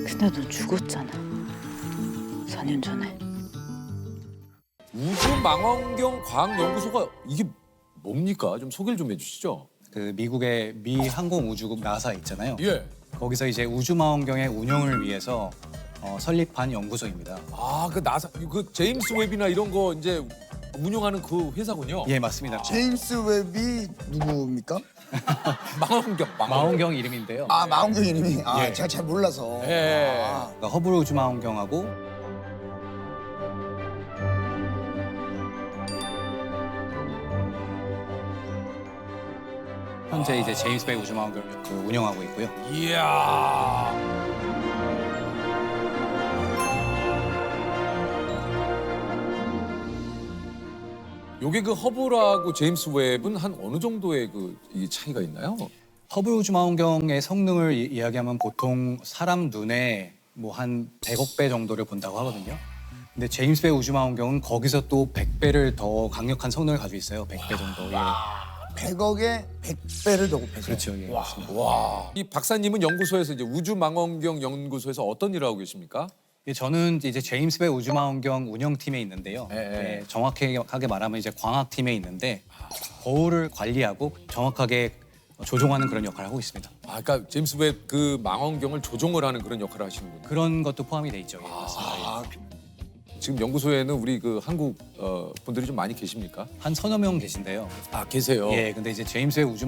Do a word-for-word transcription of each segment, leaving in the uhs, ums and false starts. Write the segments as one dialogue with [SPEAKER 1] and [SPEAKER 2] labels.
[SPEAKER 1] 근데 너 죽었잖아. 사 년 전에.
[SPEAKER 2] 우주망원경 과학연구소가 이게 뭡니까? 좀 소개를 좀 해주시죠.
[SPEAKER 3] 그 미국의 미 항공우주국 나사 있잖아요.
[SPEAKER 2] 예.
[SPEAKER 3] 거기서 이제 우주망원경의 운영을 위해서 어, 설립한 연구소입니다.
[SPEAKER 2] 아, 그 나사, 그 제임스 웹이나 이런 거 이제 운영하는 그 회사군요.
[SPEAKER 3] 예, 맞습니다.
[SPEAKER 4] 제임스 웹이 누구입니까?
[SPEAKER 2] 망원경, 망원경.
[SPEAKER 3] 망원경 이름인데요.
[SPEAKER 4] 아 마운경 이름이 아
[SPEAKER 3] 예.
[SPEAKER 4] 제가 잘 몰라서.
[SPEAKER 2] 예.
[SPEAKER 4] 아,
[SPEAKER 3] 그러니까 허블 우주망원경하고 현재 이제 제임스 웹 우주망원경을 그 운영하고 있고요.
[SPEAKER 2] 이야. 요게 그 허블하고 제임스 웹은 한 어느 정도의 그 이 차이가 있나요?
[SPEAKER 3] 허블 우주망원경의 성능을 이, 이야기하면 보통 사람 눈에 뭐 한 백억 배 정도를 본다고 하거든요. 근데 제임스 웹 우주망원경은 거기서 또 백 배를 더 강력한 성능을 가지고 있어요. 백 배 정도. 예.
[SPEAKER 4] 백억에 백 배를 더 곱해서.
[SPEAKER 3] 그렇죠. 예. 맞습니다.
[SPEAKER 2] 와. 이 박사님은 연구소에서 이제 우주망원경 연구소에서 어떤 일을 하고 계십니까?
[SPEAKER 3] 예, 저는 이제 제임스 웹 우주망원경 운영팀에 있는데요.
[SPEAKER 2] 예, 예.
[SPEAKER 3] 예, 정확하게 말하면 이제 광학팀에 있는데 거울을 관리하고 정확하게 조종하는 그런 역할을 하고 있습니다.
[SPEAKER 2] 아, 그러니까 제임스 웹 그 망원경을 조종을 하는 그런 역할을 하시는군요.
[SPEAKER 3] 그런 것도 포함이 돼 있죠. 예, 맞습니다. 예.
[SPEAKER 2] 아, 지금 연구소에는 우리 그 한국 어, 분들이 좀 많이 계십니까?
[SPEAKER 3] 한 서너 명 계신데요.
[SPEAKER 2] 아, 계세요.
[SPEAKER 3] 예, 근데 이제 제임스 웹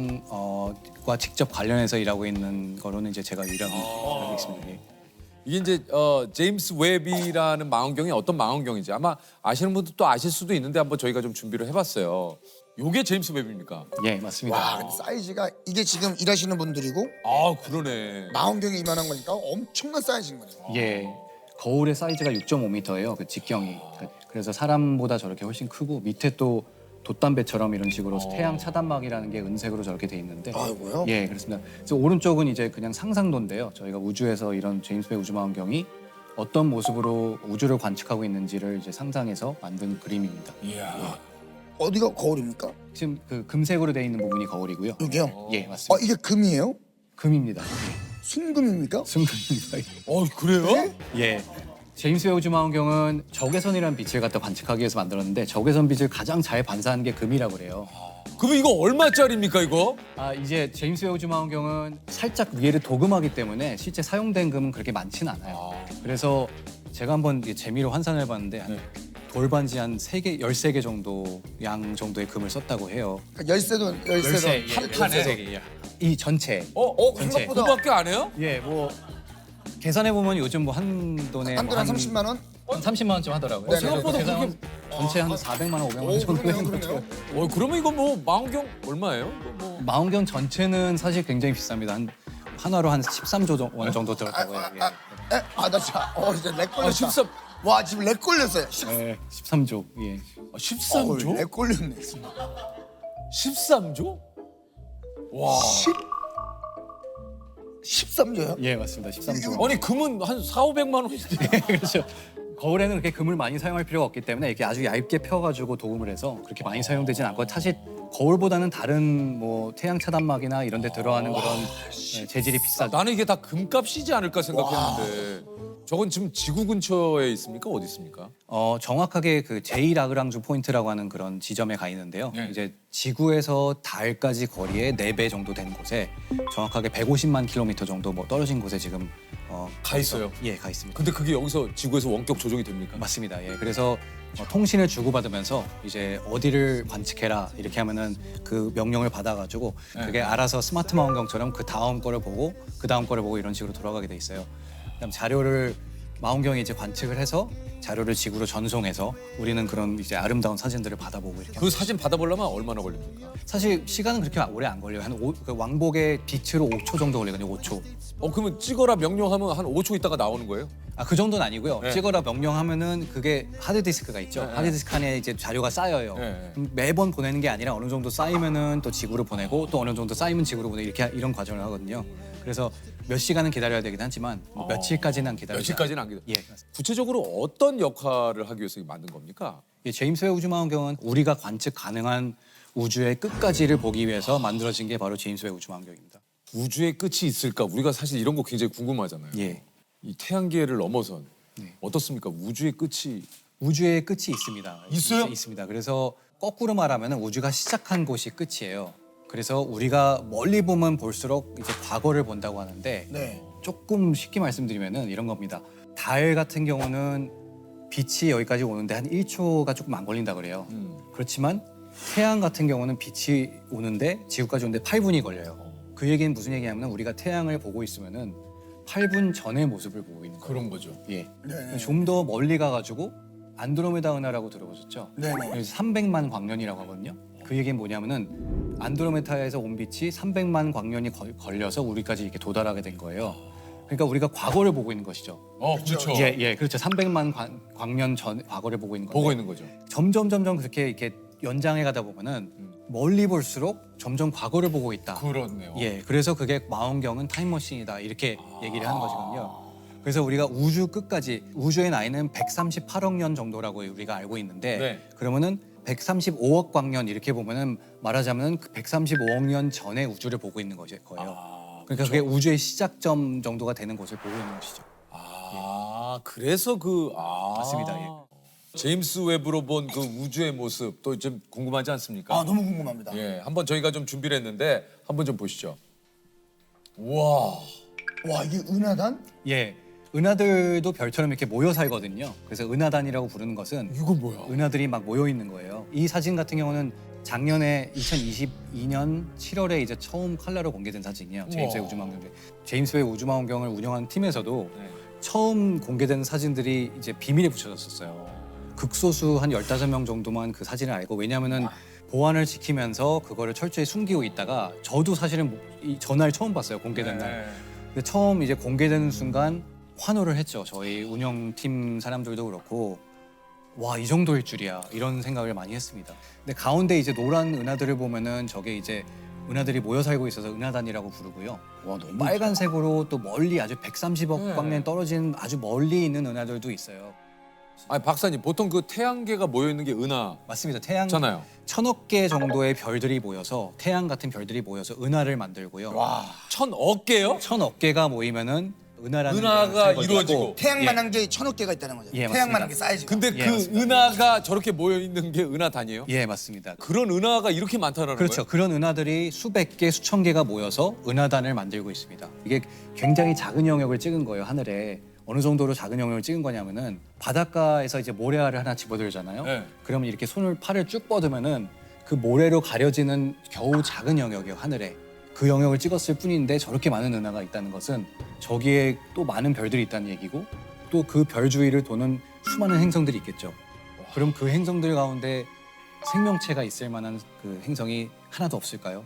[SPEAKER 3] 우주망원경과 직접 관련해서 일하고 있는 거로는 이제 제가 유일하게 알고 있습니다. 예.
[SPEAKER 2] 이게 이제 어, 제임스 웹이라는 망원경이 어떤 망원경인지 아마 아시는 분들 또 아실 수도 있는데 한번 저희가 좀 준비를 해봤어요. 요게 제임스 웹입니까?
[SPEAKER 3] 예, 맞습니다.
[SPEAKER 4] 와 근데 사이즈가 이게 지금 일하시는 분들이고
[SPEAKER 2] 아, 그러네.
[SPEAKER 4] 마운경이 이만한 거니까 엄청난 사이즈인 거네요.
[SPEAKER 3] 예, 거울의 사이즈가 육 점 오 미터예요. 그 직경이. 그래서 사람보다 저렇게 훨씬 크고 밑에 또 돛담배처럼 이런 식으로 태양 차단막이라는 게 은색으로 저렇게 돼 있는데.
[SPEAKER 4] 아이고요.
[SPEAKER 3] 예, 그렇습니다. 그래서 오른쪽은 이제 그냥 상상도인데요. 저희가 우주에서 이런 제임스 웹 우주망원경이 어떤 모습으로 우주를 관측하고 있는지를 이제 상상해서 만든 그림입니다.
[SPEAKER 2] 이야.
[SPEAKER 4] 어디가 거울입니까?
[SPEAKER 3] 지금 그 금색으로 돼 있는 부분이 거울이고요.
[SPEAKER 4] 여기요.
[SPEAKER 3] 예,
[SPEAKER 4] 아
[SPEAKER 3] 맞습니다.
[SPEAKER 4] 이게 금이에요?
[SPEAKER 3] 금입니다.
[SPEAKER 4] 순금입니까?
[SPEAKER 3] 순금입니다.
[SPEAKER 2] 어, 그래요?
[SPEAKER 3] 예. 제임스 웹 우주망원경은 적외선이라는 빛을 갖다 관측하기 위해서 만들었는데 적외선 빛을 가장 잘 반사하는 게 금이라고 그래요.
[SPEAKER 2] 그럼 이거 얼마짜리입니까, 이거?
[SPEAKER 3] 아 이제 제임스 웹 우주망원경은 살짝 위에를 도금하기 때문에 실제 사용된 금은 그렇게 많지는 않아요. 그래서 제가 한번 이게 재미로 환산을 해봤는데 한 돌반지 한 세 개, 열세 개 정도 양 정도의 금을 썼다고 해요.
[SPEAKER 4] 그러니까 열쇠도 열쇠도
[SPEAKER 3] 예,
[SPEAKER 2] 한 판에?
[SPEAKER 3] 열세 개, 예. 이 전체.
[SPEAKER 2] 어, 어,
[SPEAKER 3] 전체.
[SPEAKER 4] 생각보다
[SPEAKER 2] 그거밖에 안 해요?
[SPEAKER 3] 예, 뭐 계산해 보면 요즘 뭐 한 돈에
[SPEAKER 4] 한
[SPEAKER 3] 뭐
[SPEAKER 4] 돈 한 삼십만 원?
[SPEAKER 3] 한 삼십만 원쯤 하더라고요.
[SPEAKER 4] 네,
[SPEAKER 2] 생각보다
[SPEAKER 3] 계산
[SPEAKER 2] 그렇게-
[SPEAKER 3] 전체 한 사백만 원, 오백만 원
[SPEAKER 4] 오
[SPEAKER 3] 정도
[SPEAKER 4] 그러네요
[SPEAKER 3] 되는 거죠.
[SPEAKER 4] 그러네요.
[SPEAKER 2] 어, 그러면 이거 뭐 망원경 얼마예요? 이거 뭐.
[SPEAKER 3] 망원경 전체는 사실 굉장히 비쌉니다. 한 하나로 한 십삼조 원 정도 들었다고요. 예.
[SPEAKER 4] 에? 아나 진짜 어 진짜 렉 걸렸다.
[SPEAKER 2] 아, 십삼.
[SPEAKER 4] 와 지금 렉 걸렸어요.
[SPEAKER 3] 예, 십삼조. 예.
[SPEAKER 2] 아, 십삼 조?
[SPEAKER 4] 어, 렉 걸렸네.
[SPEAKER 2] 십삼 조? 와.
[SPEAKER 4] 십삼 조요?
[SPEAKER 3] 예, 맞습니다. 십삼조.
[SPEAKER 2] 아니, 금은 한 사오백만 원인데.
[SPEAKER 3] 그렇죠. 거울에는 그렇게 금을 많이 사용할 필요가 없기 때문에 이렇게 아주 얇게 펴가지고 도금을 해서 그렇게 많이 사용되진 않고 사실 거울보다는 다른 뭐 태양 차단막이나 이런 데 들어가는 그런 예, 재질이 비싸죠.
[SPEAKER 2] 나는 이게 다 금값이지 않을까 생각했는데. 저건 지금 지구 근처에 있습니까? 어디 있습니까?
[SPEAKER 3] 어, 정확하게 그 제이 라그랑주 포인트라고 하는 그런 지점에 가 있는데요.
[SPEAKER 2] 네.
[SPEAKER 3] 이제 지구에서 달까지 거리의 네 배 정도 되는 곳에 정확하게 백오십만 킬로미터 정도 뭐 떨어진 곳에 지금 어,
[SPEAKER 2] 가 있어요?
[SPEAKER 3] 예, 가 있습니다.
[SPEAKER 2] 근데 그게 여기서 지구에서 원격 조종이 됩니까?
[SPEAKER 3] 맞습니다. 예, 그래서 어, 통신을 주고받으면서 이제 어디를 관측해라 이렇게 하면은 그 명령을 받아가지고
[SPEAKER 2] 네.
[SPEAKER 3] 그게 알아서 스마트 망원경처럼 그 다음 거를 보고 그 다음 거를 보고 이런 식으로 돌아가게 돼 있어요. 그다음 자료를 망원경이 이제 관측을 해서 자료를 지구로 전송해서 우리는 그런 이제 아름다운 사진들을 받아보고 이렇게.
[SPEAKER 2] 그 사진 받아보려면 얼마나 걸립니까?
[SPEAKER 3] 사실 시간은 그렇게 오래 안 걸려요. 한 오, 그 왕복의 빛으로 오 초 정도 걸리거든요. 오 초.
[SPEAKER 2] 어, 그러면 찍어라 명령하면 한 오 초 있다가 나오는 거예요?
[SPEAKER 3] 아, 그 정도는 아니고요.
[SPEAKER 2] 네.
[SPEAKER 3] 찍어라 명령하면은 그게 하드디스크가 있죠.
[SPEAKER 2] 네,
[SPEAKER 3] 하드디스크 안에 이제 자료가 쌓여요.
[SPEAKER 2] 네.
[SPEAKER 3] 그럼 매번 보내는 게 아니라 어느 정도 쌓이면은 또 지구로 보내고 또 어느 정도 쌓이면 지구로 보내고 이렇게 이런 과정을 하거든요. 그래서 몇 시간은 기다려야 되긴 하지만 뭐 며칠까지는 안 기다려요.
[SPEAKER 2] 며칠까지는 안 기다려.
[SPEAKER 3] 예, 맞습니다.
[SPEAKER 2] 구체적으로 어떤 역할을 하기 위해서 만든 겁니까?
[SPEAKER 3] 이 제임스 웹 우주망원경은 우리가 관측 가능한 우주의 끝까지를 보기 위해서 만들어진 게 바로 제임스 웹 우주망원경입니다.
[SPEAKER 2] 우주의 끝이 있을까? 우리가 사실 이런 거 굉장히 궁금하잖아요.
[SPEAKER 3] 예.
[SPEAKER 2] 이 태양계를 넘어선
[SPEAKER 3] 네.
[SPEAKER 2] 어떻습니까? 우주의 끝이
[SPEAKER 3] 우주의 끝이 있습니다.
[SPEAKER 2] 있어요?
[SPEAKER 3] 있, 있습니다. 그래서 거꾸로 말하면 우주가 시작한 곳이 끝이에요. 그래서 우리가 멀리 보면 볼수록 이제 과거를 본다고 하는데
[SPEAKER 4] 네.
[SPEAKER 3] 조금 쉽게 말씀드리면은 이런 겁니다. 달 같은 경우는 빛이 여기까지 오는데 한 일 초가 조금 안 걸린다 그래요.
[SPEAKER 2] 음.
[SPEAKER 3] 그렇지만 태양 같은 경우는 빛이 오는데 지구까지 오는데 팔 분이 걸려요. 그 얘기는 무슨 얘기냐면 우리가 태양을 보고 있으면은 팔 분 전의 모습을 보고 있는 거예요.
[SPEAKER 2] 그런 거죠.
[SPEAKER 3] 예.
[SPEAKER 4] 네.
[SPEAKER 3] 좀 더 멀리 가가지고 안드로메다 은하라고 들어보셨죠?
[SPEAKER 4] 네네.
[SPEAKER 3] 그래서 삼백만 광년이라고 하거든요. 그 얘기는 뭐냐면은 안드로메다에서 온 빛이 삼백만 광년이 걸, 걸려서 우리까지 이렇게 도달하게 된 거예요. 그러니까 우리가 과거를 보고 있는 것이죠.
[SPEAKER 2] 어, 그렇죠.
[SPEAKER 3] 예, 예, 그렇죠. 삼백만 광, 광년 전 과거를 보고 있는 건데
[SPEAKER 2] 보고 있는 거죠.
[SPEAKER 3] 점점 점점 그렇게 이렇게 연장해 가다 보면은 멀리 볼수록 점점 과거를 보고 있다.
[SPEAKER 2] 그렇네요.
[SPEAKER 3] 예, 그래서 그게 망원경은 타임머신이다 이렇게 얘기를 하는 것이거든요. 그래서 우리가 우주 끝까지 우주의 나이는 백삼십팔억 년 정도라고 우리가 알고 있는데
[SPEAKER 2] 네.
[SPEAKER 3] 그러면은 백삼십오억 광년 이렇게 보면은 말하자면 그 백삼십오억 년 전의 우주를 보고 있는 것일 거예요.
[SPEAKER 2] 아,
[SPEAKER 3] 그러니까 그게 우주의 시작점 정도가 되는 곳을 보고 있는 것이죠.
[SPEAKER 2] 아, 그래서 그 아.
[SPEAKER 3] 맞습니다, 예.
[SPEAKER 2] 제임스 웹으로 본 그 우주의 모습 또 좀 궁금하지 않습니까?
[SPEAKER 4] 아 너무 궁금합니다.
[SPEAKER 2] 예, 한번 저희가 좀 준비를 했는데 한번 좀 보시죠. 우와.
[SPEAKER 4] 와 이게 은하단?
[SPEAKER 3] 예, 은하들도 별처럼 이렇게 모여 살거든요. 그래서 은하단이라고 부르는 것은
[SPEAKER 2] 이건 뭐야?
[SPEAKER 3] 은하들이 막 모여 있는 거예요. 이 사진 같은 경우는 작년에 이천이십이 년 칠월에 이제 처음 컬러로 공개된 사진이에요. 제임스 웹 우주망원경. 제임스 웹 우주망원경을 운영하는 팀에서도
[SPEAKER 2] 네.
[SPEAKER 3] 처음 공개된 사진들이 이제 비밀에 붙여졌었어요. 극소수 한 열다섯 명 정도만 그 사진을 알고 왜냐하면은 보안을 지키면서 그거를 철저히 숨기고 있다가 저도 사실은 뭐 이 전날 처음 봤어요. 공개된 날.
[SPEAKER 2] 네.
[SPEAKER 3] 근데 처음 이제 공개되는 순간 환호를 했죠. 저희 운영팀 사람들도 그렇고 와, 이 정도일 줄이야 이런 생각을 많이 했습니다. 근데 가운데 이제 노란 은하들을 보면은 저게 이제 은하들이 모여 살고 있어서 은하단이라고 부르고요. 와, 너무 빨간색으로 또 멀리 아주 백삼십억
[SPEAKER 2] 네.
[SPEAKER 3] 광년 떨어진 아주 멀리 있는 은하들도 있어요.
[SPEAKER 2] 아니 박사님 보통 그 태양계가 모여 있는 게 은하잖아요.
[SPEAKER 3] 맞습니다. 태양 천억 개 정도의 별들이 모여서 태양 같은 별들이 모여서 은하를 만들고요.
[SPEAKER 2] 와, 천억 개요?
[SPEAKER 3] 천억 개가 모이면은 은하라는
[SPEAKER 2] 은하가
[SPEAKER 3] 게
[SPEAKER 2] 이루어지고.
[SPEAKER 4] 태양만한 게 천억 개가 있다는 거죠.
[SPEAKER 3] 예,
[SPEAKER 4] 태양만한
[SPEAKER 3] 맞습니다.
[SPEAKER 4] 게 사이즈가.
[SPEAKER 2] 근데
[SPEAKER 3] 예,
[SPEAKER 2] 그
[SPEAKER 3] 맞습니다.
[SPEAKER 2] 은하가 저렇게 모여 있는 게 은하단이에요?
[SPEAKER 3] 예, 맞습니다.
[SPEAKER 2] 그런 은하가 이렇게 많다는
[SPEAKER 3] 그렇죠.
[SPEAKER 2] 거예요?
[SPEAKER 3] 그런 은하들이 수백 개, 수천 개가 모여서 은하단을 만들고 있습니다. 이게 굉장히 작은 영역을 찍은 거예요, 하늘에. 어느 정도로 작은 영역을 찍은 거냐면은 바닷가에서 이제 모래알을 하나 집어들잖아요.
[SPEAKER 2] 네.
[SPEAKER 3] 그러면 이렇게 손을 팔을 쭉 뻗으면은 그 모래로 가려지는 겨우 작은 영역이에요, 하늘에. 그 영역을 찍었을 뿐인데 저렇게 많은 은하가 있다는 것은 저기에 또 많은 별들이 있다는 얘기고 또 그 별 주위를 도는 수많은 행성들이 있겠죠. 그럼 그 행성들 가운데 생명체가 있을 만한 그 행성이 하나도 없을까요?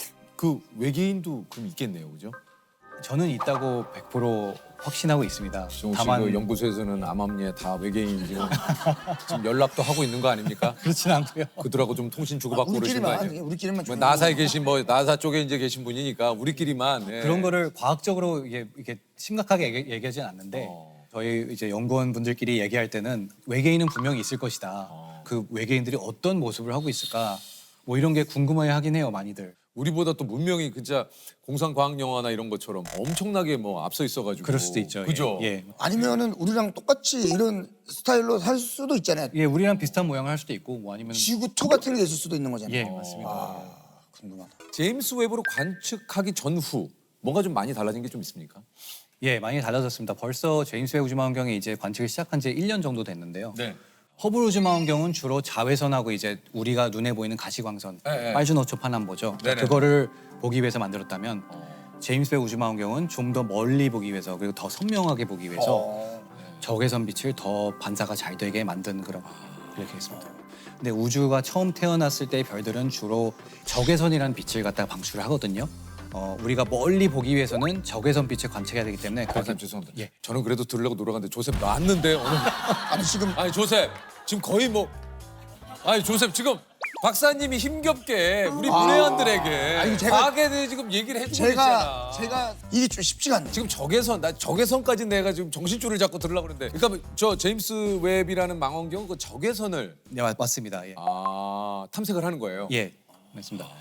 [SPEAKER 2] 그 외계인도 그럼 있겠네요, 그죠?
[SPEAKER 3] 저는 있다고 백 퍼센트 확신하고 있습니다.
[SPEAKER 2] 정우 씨
[SPEAKER 3] 다만
[SPEAKER 2] 그 연구소에서는 암암리에 다 외계인 지금 지금 연락도 하고 있는 거 아닙니까?
[SPEAKER 3] 그렇진 않고요.
[SPEAKER 2] 그들하고 좀 통신 주고받고 그러신 거
[SPEAKER 4] 우리끼리만
[SPEAKER 2] 아니에요?
[SPEAKER 4] 우리끼리만
[SPEAKER 2] 뭐
[SPEAKER 4] 좀
[SPEAKER 2] 나사에 계신 뭐 나사 쪽에 이제 계신 분이니까 우리끼리만 예.
[SPEAKER 3] 그런 거를 과학적으로 이게, 이게 심각하게 얘기, 얘기하진 않는데
[SPEAKER 2] 어.
[SPEAKER 3] 저희 이제 연구원 분들끼리 얘기할 때는 외계인은 분명히 있을 것이다.
[SPEAKER 2] 어.
[SPEAKER 3] 그 외계인들이 어떤 모습을 하고 있을까? 뭐 이런 게 궁금해 하긴 해요, 많이들.
[SPEAKER 2] 우리보다 또 문명이 진짜 공상과학 영화나 이런 것처럼 엄청나게 뭐 앞서 있어가지고
[SPEAKER 3] 그럴 수도 있죠.
[SPEAKER 2] 그죠?
[SPEAKER 3] 예. 예.
[SPEAKER 4] 아니면은 우리랑 똑같이 이런 스타일로 살 수도 있잖아요.
[SPEAKER 3] 예, 우리랑 비슷한 모양을 할 수도 있고 뭐 아니면
[SPEAKER 4] 지구토 같은 게 있을 수도 있는 거잖아요.
[SPEAKER 3] 예, 맞습니다.
[SPEAKER 4] 아, 궁금하다.
[SPEAKER 2] 제임스 웹으로 관측하기 전후 뭔가 좀 많이 달라진 게 좀 있습니까?
[SPEAKER 3] 예, 많이 달라졌습니다. 벌써 제임스 웹 우주망원경이 이제 관측을 시작한 지 일 년 정도 됐는데요.
[SPEAKER 2] 네.
[SPEAKER 3] 허블 우주망원경은 주로 자외선하고 이제 우리가 눈에 보이는 가시광선,
[SPEAKER 2] 네, 네.
[SPEAKER 3] 빨주노초 파남보죠.
[SPEAKER 2] 네네.
[SPEAKER 3] 그거를 보기 위해서 만들었다면
[SPEAKER 2] 어.
[SPEAKER 3] 제임스 웹 우주망원경은 좀 더 멀리 보기 위해서 그리고 더 선명하게 보기 위해서
[SPEAKER 4] 어,
[SPEAKER 3] 적외선 빛을 더 반사가 잘 되게 만든 그런 이렇게 했습니다. 근데 우주가 처음 태어났을 때 별들은 주로 적외선이라는 빛을 갖다가 방출을 하거든요. 어, 우리가 멀리 보기 위해서는 적외선 빛을 관측해야 되기 때문에 그렇게
[SPEAKER 2] 박사님 죄송합니다.
[SPEAKER 3] 예.
[SPEAKER 2] 저는 그래도 들으려고 노력하는데 조셉 놨는데 오늘
[SPEAKER 4] 아니 지금
[SPEAKER 2] 아니 조셉 지금 거의 뭐 아니 조셉 지금 박사님이 힘겹게 우리 문외한들에게
[SPEAKER 4] 아니, 제가-
[SPEAKER 2] 과학에 대해 지금 얘기를 해주고
[SPEAKER 4] 제가
[SPEAKER 2] 있잖아.
[SPEAKER 4] 제가 이게 좀 쉽지가 않네요.
[SPEAKER 2] 지금 적외선 나 적외선까지 내가 지금 정신줄을 잡고 들으려고 그러는데 그러니까 저 제임스 웹이라는 망원경 그 적외선을
[SPEAKER 3] 네, 맞- 맞습니다. 예.
[SPEAKER 2] 아 탐색을 하는 거예요.
[SPEAKER 3] 예, 맞습니다.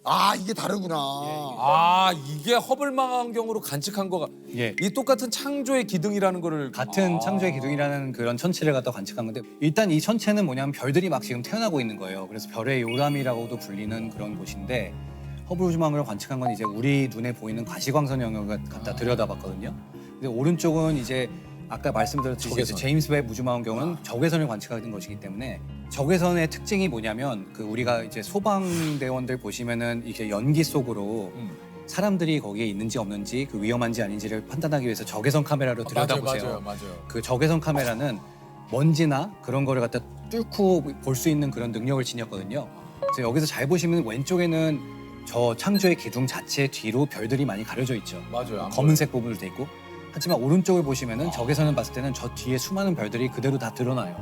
[SPEAKER 4] 아 이게 다르구나.
[SPEAKER 2] 아 이게 허블 망원경으로 관측한 거가
[SPEAKER 3] 예.
[SPEAKER 2] 이 똑같은 창조의 기둥이라는 거를
[SPEAKER 3] 같은
[SPEAKER 2] 아.
[SPEAKER 3] 창조의 기둥이라는 그런 천체를 갖다 관측한 건데 일단 이 천체는 뭐냐면 별들이 막 지금 태어나고 있는 거예요. 그래서 별의 요람이라고도 불리는 그런 곳인데 허블 우주망원경을 관측한 건 이제 우리 눈에 보이는 가시광선 영역을 갖다 들여다봤거든요. 근데 오른쪽은 이제 아까 말씀드렸듯이
[SPEAKER 2] 적외선.
[SPEAKER 3] 제임스 웹 우주망원경은 적외선을 관측하는 것이기 때문에 적외선의 특징이 뭐냐면 그 우리가 이제 소방대원들 보시면은 이렇게 연기 속으로
[SPEAKER 2] 음.
[SPEAKER 3] 사람들이 거기에 있는지 없는지 그 위험한지 아닌지를 판단하기 위해서 적외선 카메라로 들여다보세요.
[SPEAKER 2] 맞아요, 맞아요, 맞아요.
[SPEAKER 3] 그 적외선 카메라는 먼지나 그런 거를 갖다 뚫고 볼 수 있는 그런 능력을 지녔거든요. 그래서 여기서 잘 보시면 왼쪽에는 저 창조의 기둥 자체 뒤로 별들이 많이 가려져 있죠.
[SPEAKER 2] 맞아요. 안
[SPEAKER 3] 검은색 부분으로 돼 있고. 하지만 오른쪽을 보시면은 적외선을 봤을 때는 저 뒤에 수많은 별들이 그대로 다 드러나요.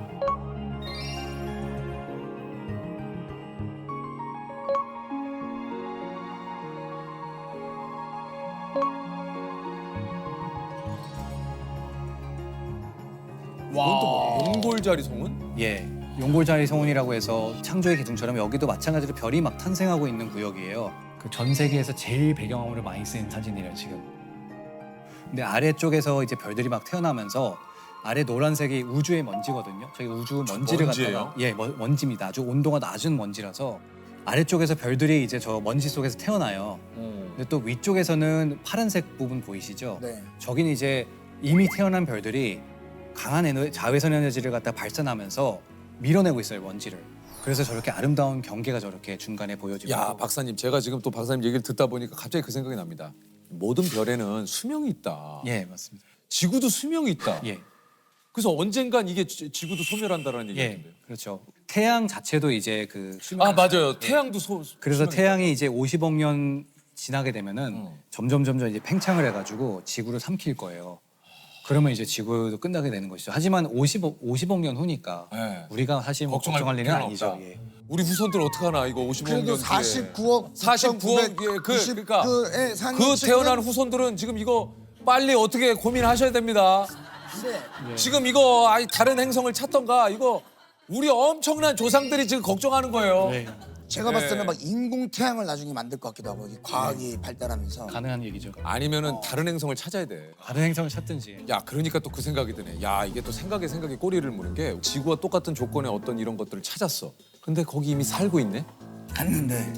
[SPEAKER 2] 이건 또 뭐야? 용골자리 성운?
[SPEAKER 3] 예. 용골자리 성운이라고 해서 창조의 기둥처럼 여기도 마찬가지로 별이 막 탄생하고 있는 구역이에요. 그 전 세계에서 제일 배경화물을 많이 쓰인 사진이래요, 지금. 근데 아래쪽에서 이제 별들이 막 태어나면서 아래 노란색이 우주의 먼지거든요. 저희 우주 먼지를
[SPEAKER 2] 먼지예요?
[SPEAKER 3] 갖다가 예, 먼- 먼지입니다. 아주 온도가 낮은 먼지라서 아래쪽에서 별들이 이제 저 먼지 속에서 태어나요.
[SPEAKER 2] 음.
[SPEAKER 3] 근데 또 위쪽에서는 파란색 부분 보이시죠?
[SPEAKER 4] 네.
[SPEAKER 3] 저긴 이제 이미 태어난 별들이 강한 에너, 자외선 에너지를 갖다 발산하면서 밀어내고 있어요, 먼지를. 그래서 저렇게 아름다운 경계가 저렇게 중간에 보여지고.
[SPEAKER 2] 야 박사님 제가 지금 또 박사님 얘기를 듣다 보니까 갑자기 그 생각이 납니다. 모든 별에는 수명이 있다.
[SPEAKER 3] 예, 맞습니다.
[SPEAKER 2] 지구도 수명이 있다.
[SPEAKER 3] 예.
[SPEAKER 2] 그래서 언젠간 이게 지- 지구도 소멸한다라는
[SPEAKER 3] 예,
[SPEAKER 2] 얘기인데요.
[SPEAKER 3] 그렇죠. 태양 자체도 이제 그 수명.
[SPEAKER 2] 아 맞아요. 태양도 소.
[SPEAKER 3] 그래서
[SPEAKER 2] 수명이
[SPEAKER 3] 태양이 이제 오십억 년 지나게 되면은
[SPEAKER 2] 어.
[SPEAKER 3] 점점 점점 이제 팽창을 해가지고 지구를 삼킬 거예요. 그러면 이제 지구도 끝나게 되는 것이죠. 하지만 오십억 오십억 년 후니까
[SPEAKER 2] 네.
[SPEAKER 3] 우리가 사실 뭐
[SPEAKER 2] 걱정할
[SPEAKER 3] 걱정할 일은
[SPEAKER 2] 필요는
[SPEAKER 3] 아니죠.
[SPEAKER 2] 없다.
[SPEAKER 3] 예.
[SPEAKER 2] 우리 후손들 어떡하나 이거 오십억 년
[SPEAKER 4] 그래도
[SPEAKER 2] 뒤에.
[SPEAKER 4] 사십구억
[SPEAKER 2] 사십구억 예, 그 그러니까
[SPEAKER 4] 그에 사는
[SPEAKER 2] 그
[SPEAKER 4] 친구는
[SPEAKER 2] 태어난 후손들은 지금 이거 빨리 어떻게 고민하셔야 됩니다.
[SPEAKER 4] 네.
[SPEAKER 2] 지금 이거 아니 다른 행성을 찾던가 이거 우리 엄청난 조상들이 지금 걱정하는 거예요.
[SPEAKER 3] 네.
[SPEAKER 4] 제가 봤을 때는
[SPEAKER 2] 네.
[SPEAKER 4] 막 인공 태양을 나중에 만들 것 같기도 하고 이 과학이 발달하면서
[SPEAKER 3] 가능한 얘기죠.
[SPEAKER 2] 아니면은 다른 행성을 찾아야 돼.
[SPEAKER 3] 다른 행성을 찾든지.
[SPEAKER 2] 야 그러니까 또 그 생각이 드네. 야 이게 또 생각에 생각에 꼬리를 무는 게 지구와 똑같은 조건의 어떤 이런 것들을 찾았어. 근데 거기 이미 살고 있네.
[SPEAKER 4] 갔는데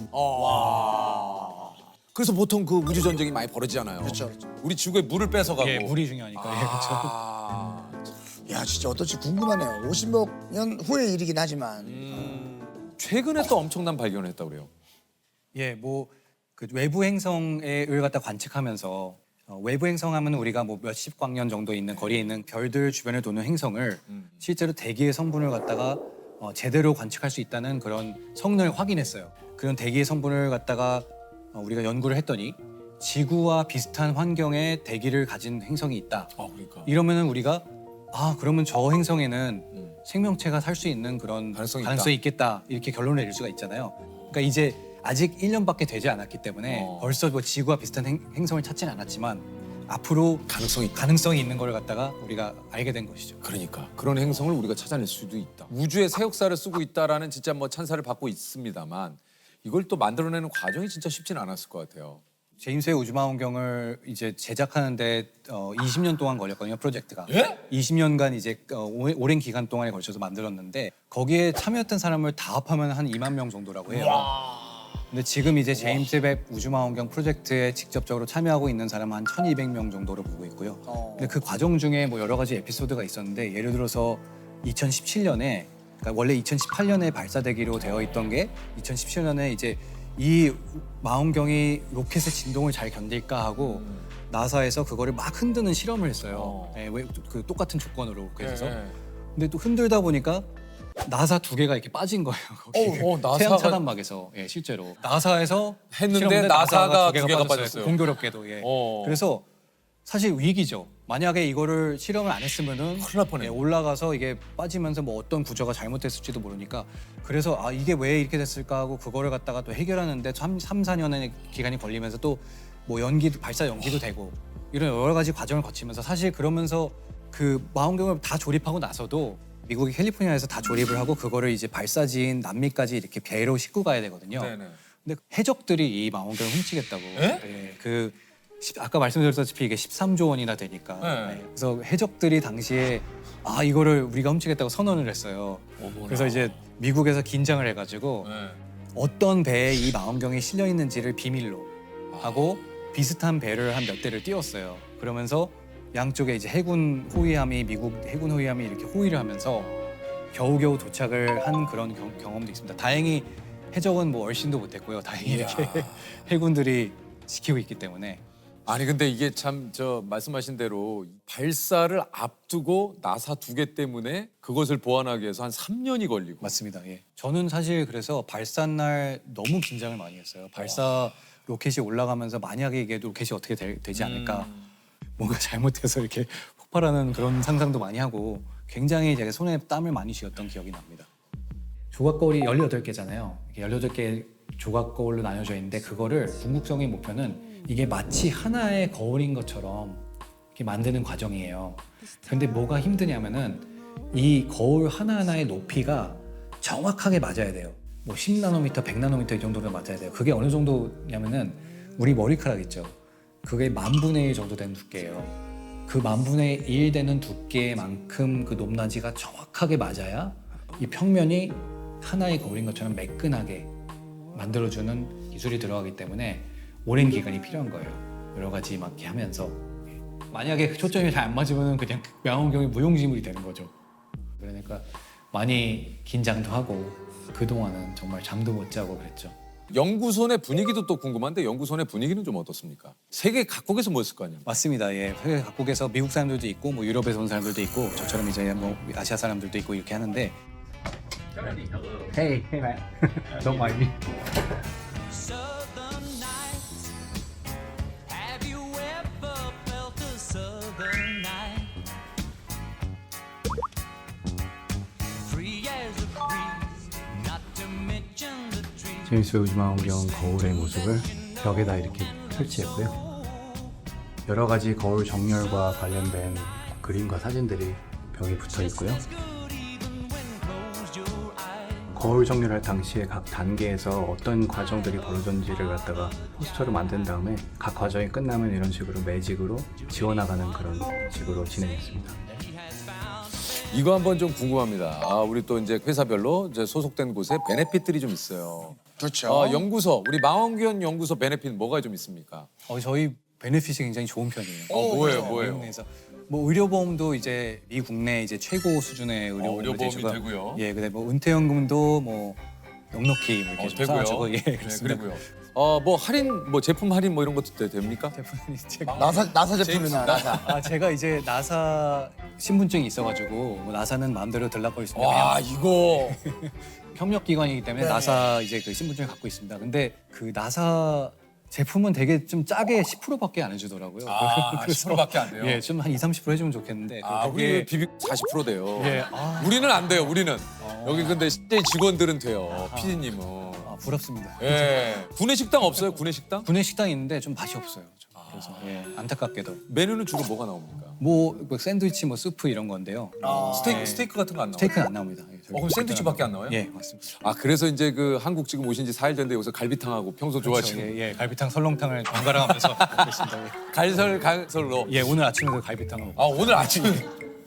[SPEAKER 2] 그래서 보통 그 우주 전쟁이 많이 벌어지잖아요.
[SPEAKER 4] 그렇죠, 그렇죠.
[SPEAKER 2] 우리 지구에 물을 뺏어가고.
[SPEAKER 3] 예, 물이 중요하니까. 예, 그렇죠.
[SPEAKER 2] 아,
[SPEAKER 4] 야 진짜 어떨지 궁금하네요. 오십억 년 후의 일이긴 하지만
[SPEAKER 2] 음, 최근에 또 엄청난 발견을 했다고 그래요.
[SPEAKER 3] 예, 뭐 그 외부 행성을 갖다 관측하면서 어, 외부 행성하면 우리가 뭐 몇십 광년 정도 있는 거리에 있는 별들 주변을 도는 행성을
[SPEAKER 2] 음.
[SPEAKER 3] 실제로 대기의 성분을 갖다가 어, 제대로 관측할 수 있다는 그런 성능을 확인했어요. 그런 대기의 성분을 갖다가 어, 우리가 연구를 했더니 지구와 비슷한 환경의 대기를 가진 행성이 있다.
[SPEAKER 2] 아 그러니까.
[SPEAKER 3] 이러면은 우리가 아 그러면 저 행성에는
[SPEAKER 2] 음.
[SPEAKER 3] 생명체가 살 수 있는 그런
[SPEAKER 2] 가능성이
[SPEAKER 3] 가능성이 있겠다 이렇게 결론을 내릴 수가 있잖아요. 그러니까 이제 아직 일 년밖에 되지 않았기 때문에
[SPEAKER 2] 어.
[SPEAKER 3] 벌써 뭐 지구와 비슷한 행, 행성을 찾지는 않았지만 앞으로
[SPEAKER 2] 가능성이 있다.
[SPEAKER 3] 가능성이 있는 걸 갖다가 우리가 알게 된 것이죠.
[SPEAKER 2] 그러니까 그런 행성을 우리가 찾아낼 수도 있다. 우주의 새 역사를 쓰고 있다라는 진짜 뭐 찬사를 받고 있습니다만 이걸 또 만들어내는 과정이 진짜 쉽지는 않았을 것 같아요.
[SPEAKER 3] 제임스 웹 우주망원경을 이제 제작하는데 어, 이십 년 동안 걸렸거든요, 프로젝트가.
[SPEAKER 2] 예?
[SPEAKER 3] 이십 년간 이제 어, 오- 오랜 기간 동안에 걸쳐서 만들었는데 거기에 참여했던 사람을 다 합하면 한 이만 명 정도라고 해요. 근데 지금 이제 제임스 웹 우주망원경 프로젝트에 직접적으로 참여하고 있는 사람은 한 천이백 명 정도로 보고 있고요.
[SPEAKER 4] 어.
[SPEAKER 3] 근데 그 과정 중에 뭐 여러 가지 에피소드가 있었는데 예를 들어서 이천십칠 년에 그러니까 원래 이천십팔 년에 발사되기로 되어 있던 게 이천십칠 년에 이제 이 망원경이 로켓의 진동을 잘 견딜까 하고 나사에서 그거를 막 흔드는 실험을 했어요.
[SPEAKER 2] 어.
[SPEAKER 3] 예, 왜, 그 똑같은 조건으로 그래서
[SPEAKER 2] 예.
[SPEAKER 3] 근데 또 흔들다 보니까 나사 두 개가 이렇게 빠진 거예요. 거기.
[SPEAKER 2] 어, 어, 나사가-
[SPEAKER 3] 태양 차단막에서 예, 실제로 나사에서
[SPEAKER 2] 했는데
[SPEAKER 3] 실험했는데
[SPEAKER 2] 나사가 두 개가
[SPEAKER 3] 빠졌어요.
[SPEAKER 2] 빠졌어요.
[SPEAKER 3] 공교롭게도 예.
[SPEAKER 2] 어.
[SPEAKER 3] 그래서 사실 위기죠. 만약에 이거를 실험을 안 했으면은
[SPEAKER 2] 큰일 날 뻔했네.
[SPEAKER 3] 예, 올라가서 이게 빠지면서 뭐 어떤 구조가 잘못됐을지도 모르니까 그래서 아 이게 왜 이렇게 됐을까 하고 그거를 갖다가 또 해결하는데 삼, 사 년의 기간이 걸리면서 또 뭐 연기 발사 연기도 되고 이런 여러 가지 과정을 거치면서 사실 그러면서 그 망원경을 다 조립하고 나서도 미국의 캘리포니아에서 다 조립을 하고 그거를 이제 발사지인 남미까지 이렇게 배로 싣고 가야 되거든요.
[SPEAKER 2] 네네.
[SPEAKER 3] 근데 해적들이 이 망원경을 훔치겠다고.
[SPEAKER 2] 에?
[SPEAKER 3] 예, 그 십- 아까 말씀드렸다시피 이게 십삼조 원이나 되니까.
[SPEAKER 2] 네.
[SPEAKER 3] 네, 그래서 해적들이 당시에 아 이거를 우리가 훔치겠다고 선언을 했어요.
[SPEAKER 2] 어머나.
[SPEAKER 3] 그래서 이제 미국에서 긴장을 해가지고
[SPEAKER 2] 네.
[SPEAKER 3] 어떤 배에 이 망원경이 실려 있는지를 비밀로 하고 비슷한 배를 한 몇 대를 띄웠어요. 그러면서 양쪽에 이제 해군 호위함이 미국 해군 호위함이 이렇게 호위를 하면서 겨우겨우 도착을 한 그런 경, 경험도 있습니다. 다행히 해적은 뭐 얼씬도 못했고요. 다행히 이렇게 해군들이 지키고 있기 때문에.
[SPEAKER 2] 아니 근데 이게 참 저 말씀하신 대로 발사를 앞두고 나사 두 개 때문에 그것을 보완하기 위해서 한 삼 년이 걸리고.
[SPEAKER 3] 맞습니다. 예. 저는 사실 그래서 발사 날 너무 긴장을 많이 했어요. 발사 로켓이 올라가면서 만약에 이게 로켓이 어떻게 되, 되지 않을까.
[SPEAKER 2] 음.
[SPEAKER 3] 뭔가 잘못해서 이렇게 폭발하는 그런 상상도 많이 하고 굉장히 제가 손에 땀을 많이 쥐었던 기억이 납니다. 조각거울이 열여덟 개잖아요. 열여덟 개 조각거울로 나뉘어져 있는데 그거를 궁극적인 목표는 이게 마치 하나의 거울인 것처럼 이렇게 만드는 과정이에요. 근데 뭐가 힘드냐면은 이 거울 하나하나의 높이가 정확하게 맞아야 돼요. 뭐 십 나노미터, 백 나노미터 이 정도로 맞아야 돼요. 그게 어느 정도냐면은 우리 머리카락 있죠. 그게 만분의 일 정도 되는 두께예요. 그 만분의 일 되는 두께만큼 그 높낮이가 정확하게 맞아야 이 평면이 하나의 거울인 것처럼 매끈하게 만들어주는 기술이 들어가기 때문에 오랜 기간이 필요한 거예요. 여러 가지 막 이렇게 하면서 만약에 초점이 잘 안 맞으면 그냥 망원경이 무용지물이 되는 거죠. 그러니까 많이 긴장도 하고 그동안은 정말 잠도 못 자고 그랬죠.
[SPEAKER 2] 연구소 내 분위기도 또 궁금한데 연구소 내 분위기는 좀 어떻습니까? 세계 각국에서 모였을 거 아니에요?
[SPEAKER 3] 맞습니다. 예, 세계 각국에서 미국 사람들도 있고 뭐 유럽에서 온 사람들도 있고 저처럼 이제 뭐 아시아 사람들도 있고 이렇게 하는데. Hey, hey man, don't mind me.
[SPEAKER 5] Southern nights. Have you ever felt a southern night? Free as a breeze, not to mention the trees.
[SPEAKER 6] 제임스 웹 우주망원경 거울의 모습을 벽에다 이렇게 설치했고요. 여러 가지 거울 정렬과 관련된 그림과 사진들이 벽에 붙어 있고요.
[SPEAKER 5] Good even when closed your eyes.
[SPEAKER 6] 거울 정렬할 당시에 각 단계에서 어떤 과정들이 벌어졌는지를 갖다가 포스터를 만든 다음에 각 과정이 끝나면 이런 식으로 매직으로 지워나가는 그런 식으로 진행했습니다.
[SPEAKER 2] 이거 한번 좀 궁금합니다. 아, 우리 또 이제 회사별로 이제 소속된 곳에 베네핏들이 좀 있어요.
[SPEAKER 4] 그렇죠.
[SPEAKER 2] 아, 연구소, 우리 망원경 연구소 베네핏 뭐가 좀 있습니까?
[SPEAKER 3] 어, 저희 베네핏이 굉장히 좋은 편이에요.
[SPEAKER 2] 어, 뭐예요,
[SPEAKER 3] 네,
[SPEAKER 2] 뭐예요?
[SPEAKER 3] 국내에서 뭐 의료보험도 이제 미 국내 이제 최고 수준의 의료보험을
[SPEAKER 2] 어, 의료보험이
[SPEAKER 3] 제시가-
[SPEAKER 2] 되고요.
[SPEAKER 3] 예, 근데 뭐 은퇴연금도 뭐 넉넉히 뭐 이렇게
[SPEAKER 2] 어,
[SPEAKER 3] 좀
[SPEAKER 2] 되고요.
[SPEAKER 3] 쌓아주고, 예,
[SPEAKER 2] 네,
[SPEAKER 3] 그렇습니다.
[SPEAKER 2] 그리고요. 어, 뭐 할인, 뭐 제품 할인 뭐 이런 것도 돼- 됩니까?
[SPEAKER 3] 제품이 제가
[SPEAKER 4] 나사 나사
[SPEAKER 2] 제임스,
[SPEAKER 4] 제품이나 나사.
[SPEAKER 3] 아 제가 이제 나사 신분증이 있어가지고 뭐 나사는 마음대로 들락거릴 수 있는
[SPEAKER 2] 와, 이거
[SPEAKER 3] 협력 기관이기 때문에
[SPEAKER 4] 네.
[SPEAKER 3] 나사 이제 그 신분증을 갖고 있습니다. 근데 그 나사 제품은 되게 좀 짜게 십 퍼센트밖에 안 해주더라고요.
[SPEAKER 2] 아,
[SPEAKER 3] 그래서
[SPEAKER 2] 십 퍼센트밖에 안 돼요?
[SPEAKER 3] 예, 좀 한 이삼십 퍼센트 해주면 좋겠는데.
[SPEAKER 2] 아,
[SPEAKER 3] 거기에
[SPEAKER 2] 우리 비비 사십 퍼센트 돼요.
[SPEAKER 3] 예, 아,
[SPEAKER 2] 우리는 안 돼요, 우리는.
[SPEAKER 3] 어.
[SPEAKER 2] 여기 근데 실제 직원들은 돼요, 피디님은.
[SPEAKER 3] 아, 부럽습니다.
[SPEAKER 2] 예. 구내 식당 없어요, 구내 식당?
[SPEAKER 3] 군내 식당이 있는데 좀 맛이 없어요. 좀. 그래서 예, 안타깝게도
[SPEAKER 2] 메뉴는 주로 뭐가 나옵니까?
[SPEAKER 3] 뭐, 뭐 샌드위치, 뭐 스프 이런 건데요.
[SPEAKER 2] 스테이크,
[SPEAKER 3] 네.
[SPEAKER 2] 스테이크 같은 거 안 나와요?
[SPEAKER 3] 스테이크는 안 나옵니다. 예, 저희
[SPEAKER 2] 어, 그럼 샌드위치밖에 안 나와요?
[SPEAKER 3] 예, 맞습니다.
[SPEAKER 2] 아, 그래서 이제 그 한국 지금 오신 지 사 일 됐는데 여기서 갈비탕하고 평소 좋아하시는
[SPEAKER 3] 예, 예, 갈비탕, 설렁탕을 번갈아 가면서 먹고 있습니다. 예.
[SPEAKER 2] 갈설 갈설로.
[SPEAKER 3] 예, 오늘 아침에도 갈비탕을 먹고
[SPEAKER 2] 아, 오늘 아침에